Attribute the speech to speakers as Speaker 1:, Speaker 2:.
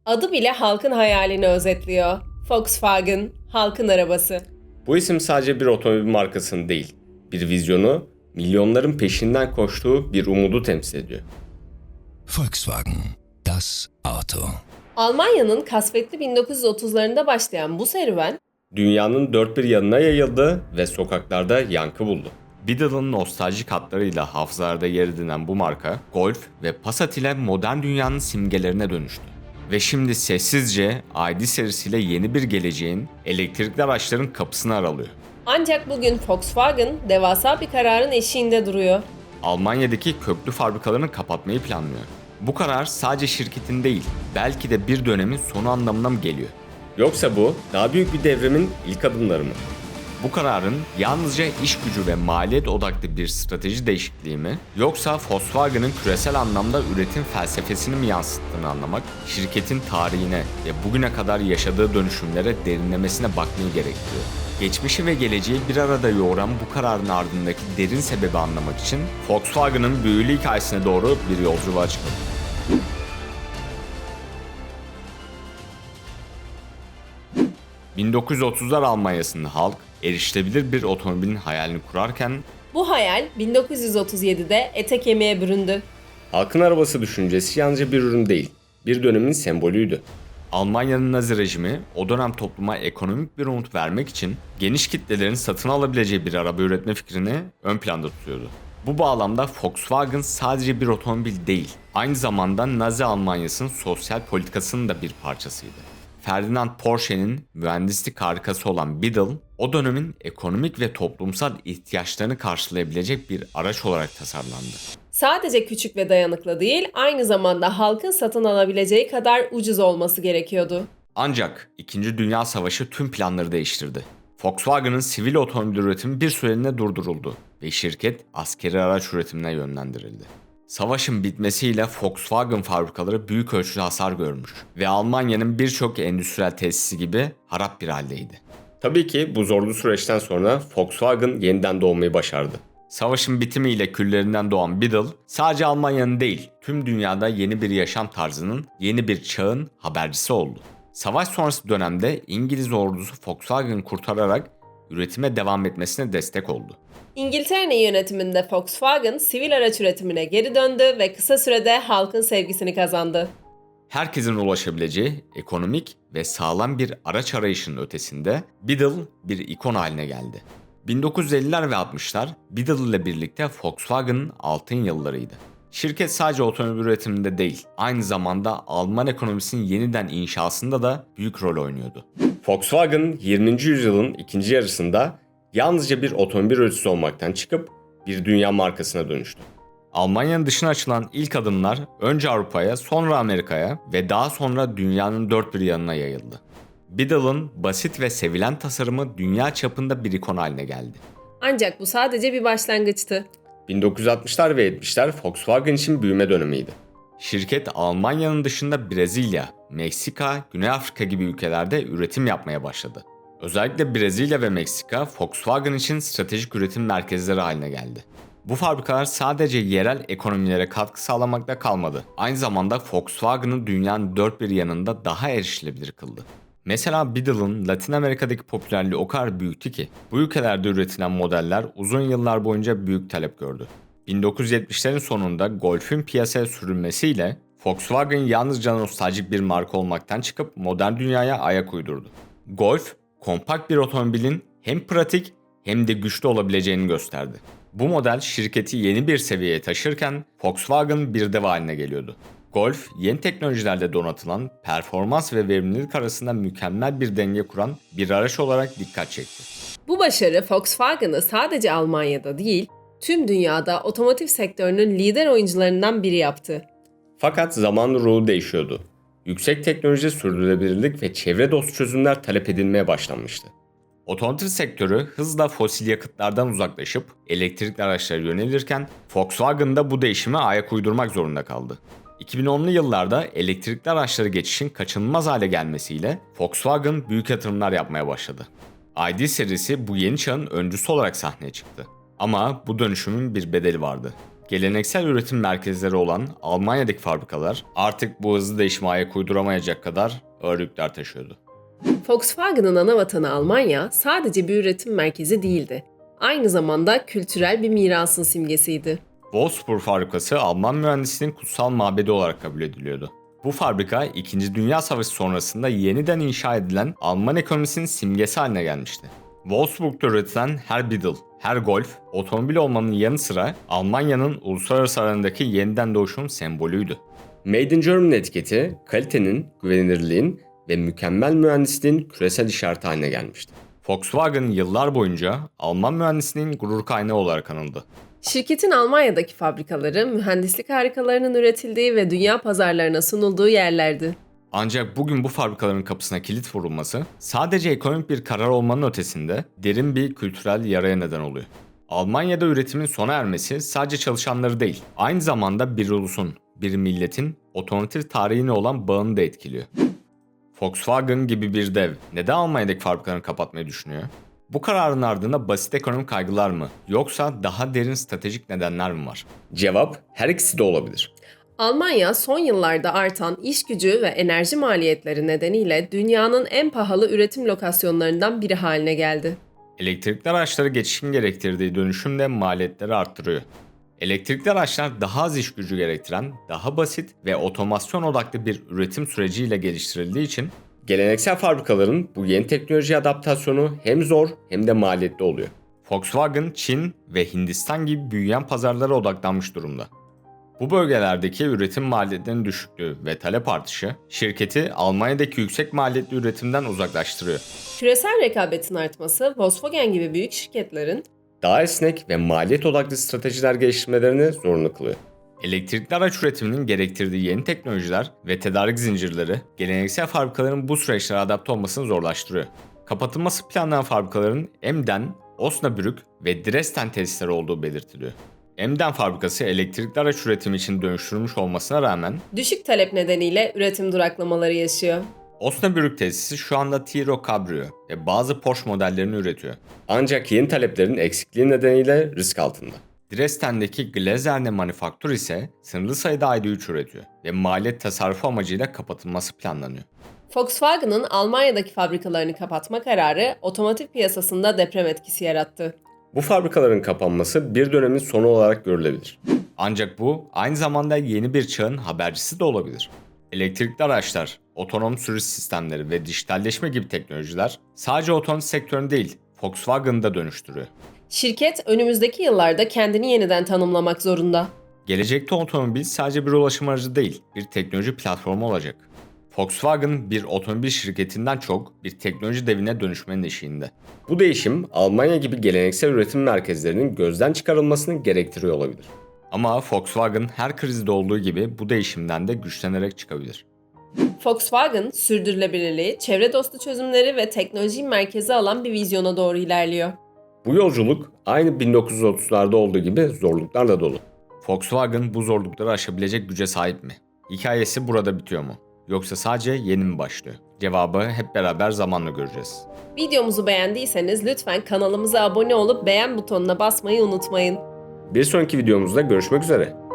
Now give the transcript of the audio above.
Speaker 1: Adı bile halkın hayalini özetliyor. Volkswagen, halkın arabası.
Speaker 2: Bu isim sadece bir otomobil markasını değil, bir vizyonu, milyonların peşinden koştuğu bir umudu temsil ediyor.
Speaker 3: Volkswagen, das Auto.
Speaker 1: Almanya'nın kasvetli 1930'larında başlayan bu serüven,
Speaker 2: Dünyanın dört bir yanına yayıldı ve sokaklarda yankı buldu. Biddle'ın nostaljik hatlarıyla hafızalarda yer edinen bu marka, Golf ve Passat ile modern dünyanın simgelerine dönüştü. Ve şimdi sessizce ID serisiyle yeni bir geleceğin, elektrikli araçların kapısını aralıyor.
Speaker 1: ancak bugün Volkswagen devasa bir kararın eşiğinde duruyor.
Speaker 2: Almanya'daki köklü fabrikalarını kapatmayı planlıyor. Bu karar sadece şirketin değil, belki de bir dönemin sonu anlamına mı geliyor? Yoksa bu daha büyük bir devrimin ilk adımları mı? Bu kararın yalnızca iş gücü ve maliyet odaklı bir strateji değişikliği mi, yoksa Volkswagen'ın küresel anlamda üretim felsefesini mi yansıttığını anlamak, şirketin tarihine ve bugüne kadar yaşadığı dönüşümlere derinlemesine bakmayı gerektiriyor. Geçmişi ve geleceği bir arada yoğuran bu kararın ardındaki derin sebebi anlamak için Volkswagen'ın büyülü hikayesine doğru bir yolculuğa çıkalım. 1930'lar Almanya'sında halk erişilebilir bir otomobilin hayalini kurarken
Speaker 1: Bu hayal 1937'de ete kemiğe büründü.
Speaker 2: halkın arabası düşüncesi yalnızca bir ürün değil, bir dönemin sembolüydü. Almanya'nın Nazi rejimi o dönem topluma ekonomik bir umut vermek için geniş kitlelerin satın alabileceği bir araba üretme fikrini ön planda tutuyordu. Bu bağlamda Volkswagen sadece bir otomobil değil, aynı zamanda Nazi Almanya'sının sosyal politikasının da bir parçasıydı. Ferdinand Porsche'nin mühendislik harikası olan Biddle, o dönemin ekonomik ve toplumsal ihtiyaçlarını karşılayabilecek bir araç olarak tasarlandı.
Speaker 1: Sadece küçük ve dayanıklı değil, aynı zamanda halkın satın alabileceği kadar ucuz olması gerekiyordu.
Speaker 2: Ancak 2. Dünya Savaşı tüm planları değiştirdi. Volkswagen'ın sivil otomobil üretimi bir süreliğine durduruldu ve şirket askeri araç üretimine yönlendirildi. Savaşın bitmesiyle Volkswagen fabrikaları büyük ölçüde hasar görmüş ve Almanya'nın birçok endüstriyel tesisi gibi harap bir haldeydi. Tabii ki bu zorlu süreçten sonra Volkswagen yeniden doğmayı başardı. Savaşın bitimiyle küllerinden doğan Biddle, sadece Almanya'nın değil, tüm dünyada yeni bir yaşam tarzının, yeni bir çağın habercisi oldu. Savaş sonrası dönemde İngiliz ordusu Volkswagen'ı kurtararak üretime devam etmesine destek oldu.
Speaker 1: İngiltere'nin yönetiminde Volkswagen sivil araç üretimine geri döndü ve kısa sürede halkın sevgisini kazandı.
Speaker 2: Herkesin ulaşabileceği ekonomik ve sağlam bir araç arayışının ötesinde Biddle bir ikon haline geldi. 1950'ler ve 60'lar Biddle ile birlikte Volkswagen'ın altın yıllarıydı. Şirket sadece otomobil üretiminde değil, aynı zamanda Alman ekonomisinin yeniden inşasında da büyük rol oynuyordu. Volkswagen 20. yüzyılın ikinci yarısında yalnızca bir otomobil üreticisi olmaktan çıkıp bir dünya markasına dönüştü. Almanya'nın dışına açılan ilk adımlar önce Avrupa'ya, sonra Amerika'ya ve daha sonra dünyanın dört bir yanına yayıldı. Biddle'ın basit ve sevilen tasarımı dünya çapında bir ikon haline geldi.
Speaker 1: Ancak bu sadece bir başlangıçtı.
Speaker 2: 1960'lar ve 70'ler Volkswagen için büyüme dönemiydi. Şirket Almanya'nın dışında Brezilya, Meksika, Güney Afrika gibi ülkelerde üretim yapmaya başladı. Özellikle Brezilya ve Meksika Volkswagen için stratejik üretim merkezleri haline geldi. Bu fabrikalar sadece yerel ekonomilere katkı sağlamakta kalmadı. Aynı zamanda Volkswagen'ı dünyanın dört bir yanında daha erişilebilir kıldı. Mesela Biddle'ın Latin Amerika'daki popülerliği o kadar büyüktü ki bu ülkelerde üretilen modeller uzun yıllar boyunca büyük talep gördü. 1970'lerin sonunda Golf'ün piyasaya sürülmesiyle Volkswagen yalnızca nostaljik bir marka olmaktan çıkıp modern dünyaya ayak uydurdu. Golf, kompakt bir otomobilin hem pratik hem de güçlü olabileceğini gösterdi. Bu model şirketi yeni bir seviyeye taşırken Volkswagen bir dev haline geliyordu. Golf, yeni teknolojilerle donatılan performans ve verimlilik arasında mükemmel bir denge kuran bir araç olarak dikkat çekti.
Speaker 1: Bu başarı Volkswagen'ı sadece Almanya'da değil, tüm dünyada otomotiv sektörünün lider oyuncularından biri yaptı.
Speaker 2: Fakat zamanla ruhu değişiyordu. Yüksek teknoloji, sürdürülebilirlik ve çevre dostu çözümler talep edilmeye başlanmıştı. Otomotiv sektörü hızla fosil yakıtlardan uzaklaşıp elektrikli araçlara yönelirken Volkswagen da bu değişime ayak uydurmak zorunda kaldı. 2010'lu yıllarda elektrikli araçlara geçişin kaçınılmaz hale gelmesiyle Volkswagen büyük yatırımlar yapmaya başladı. ID serisi bu yeni çağın öncüsü olarak sahneye çıktı. Ama bu dönüşümün bir bedeli vardı. Geleneksel üretim merkezleri olan Almanya'daki fabrikalar artık bu hızlı değişime ayak uyduramayacak kadar ağır yükler taşıyordu.
Speaker 1: Volkswagen'ın ana vatanı Almanya sadece bir üretim merkezi değildi. Aynı zamanda kültürel bir mirasın simgesiydi.
Speaker 2: Wolfsburg fabrikası Alman mühendisliğinin kutsal mabedi olarak kabul ediliyordu. Bu fabrika 2. Dünya Savaşı sonrasında yeniden inşa edilen Alman ekonomisinin simgesi haline gelmişti. Wolfsburg'da üretilen her Beetle, her Golf, otomobil olmanın yanı sıra Almanya'nın uluslararası alanındaki yeniden doğuşun sembolüydü. Made in Germany etiketi kalitenin, güvenilirliğin ve mükemmel mühendisliğin küresel işareti haline gelmişti. Volkswagen yıllar boyunca Alman mühendisliğinin gurur kaynağı olarak anıldı.
Speaker 1: Şirketin Almanya'daki fabrikaları mühendislik harikalarının üretildiği ve dünya pazarlarına sunulduğu yerlerdi.
Speaker 2: Ancak bugün bu fabrikaların kapısına kilit vurulması sadece ekonomik bir karar olmanın ötesinde derin bir kültürel yaraya neden oluyor. Almanya'da üretimin sona ermesi sadece çalışanları değil, aynı zamanda bir ulusun, bir milletin otomotiv tarihine olan bağını da etkiliyor. Volkswagen gibi bir dev neden Almanya'daki fabrikalarını kapatmayı düşünüyor? Bu kararın ardında basit ekonomik kaygılar mı yoksa daha derin stratejik nedenler mi var? Cevap her ikisi de olabilir.
Speaker 1: Almanya son yıllarda artan iş gücü ve enerji maliyetleri nedeniyle dünyanın en pahalı üretim lokasyonlarından biri haline geldi.
Speaker 2: Elektrikli araçları geçişin gerektirdiği dönüşüm de maliyetleri arttırıyor. Elektrikli araçlar daha az iş gücü gerektiren, daha basit ve otomasyon odaklı bir üretim süreciyle geliştirildiği için geleneksel fabrikaların bu yeni teknoloji adaptasyonu hem zor hem de maliyetli oluyor. Volkswagen, Çin ve Hindistan gibi büyüyen pazarlara odaklanmış durumda. Bu bölgelerdeki üretim maliyetlerinin düşüklüğü ve talep artışı şirketi Almanya'daki yüksek maliyetli üretimden uzaklaştırıyor.
Speaker 1: Küresel rekabetin artması Volkswagen gibi büyük şirketlerin
Speaker 2: Daha esnek ve maliyet odaklı stratejiler geliştirmelerini zorunlu kılıyor. Elektrikli araç üretiminin gerektirdiği yeni teknolojiler ve tedarik zincirleri geleneksel fabrikaların bu süreçlere adapte olmasını zorlaştırıyor. Kapatılması planlanan fabrikaların Emden, Osnabrück ve Dresden tesisleri olduğu belirtiliyor. Emden fabrikası elektrikli araç üretimi için dönüştürülmüş olmasına rağmen
Speaker 1: düşük talep nedeniyle üretim duraklamaları yaşıyor.
Speaker 2: Osnabrück tesisi şu anda Tiro Cabrio ve bazı Porsche modellerini üretiyor. Ancak yeni taleplerin eksikliği nedeniyle risk altında. Dresden'deki Glazerne Manufaktur ise sınırlı sayıda ID3 üretiyor ve maliyet tasarrufu amacıyla kapatılması planlanıyor.
Speaker 1: Volkswagen'ın Almanya'daki fabrikalarını kapatma kararı otomotiv piyasasında deprem etkisi yarattı.
Speaker 2: Bu fabrikaların kapanması bir dönemin sonu olarak görülebilir. Ancak bu aynı zamanda yeni bir çağın habercisi de olabilir. Elektrikli araçlar, otonom sürüş sistemleri ve dijitalleşme gibi teknolojiler sadece otomotiv sektörünü değil, Volkswagen'ı da dönüştürüyor.
Speaker 1: Şirket önümüzdeki yıllarda kendini yeniden tanımlamak zorunda.
Speaker 2: Gelecekte otomobil sadece bir ulaşım aracı değil, bir teknoloji platformu olacak. Volkswagen bir otomobil şirketinden çok bir teknoloji devine dönüşmenin eşiğinde. Bu değişim Almanya gibi geleneksel üretim merkezlerinin gözden çıkarılmasını gerektiriyor olabilir. Ama Volkswagen her krizde olduğu gibi bu değişimden de güçlenerek çıkabilir.
Speaker 1: Volkswagen, sürdürülebilirliği, çevre dostu çözümleri ve teknolojiyi merkeze alan bir vizyona doğru ilerliyor.
Speaker 2: Bu yolculuk aynı 1930'larda olduğu gibi zorluklarla dolu. Volkswagen bu zorlukları aşabilecek güce sahip mi? Hikayesi burada bitiyor mu? Yoksa sadece yeni mi başlıyor? Cevabı hep beraber zamanla göreceğiz.
Speaker 1: Videomuzu beğendiyseniz lütfen kanalımıza abone olup beğen butonuna basmayı unutmayın.
Speaker 2: Bir sonraki videomuzda görüşmek üzere.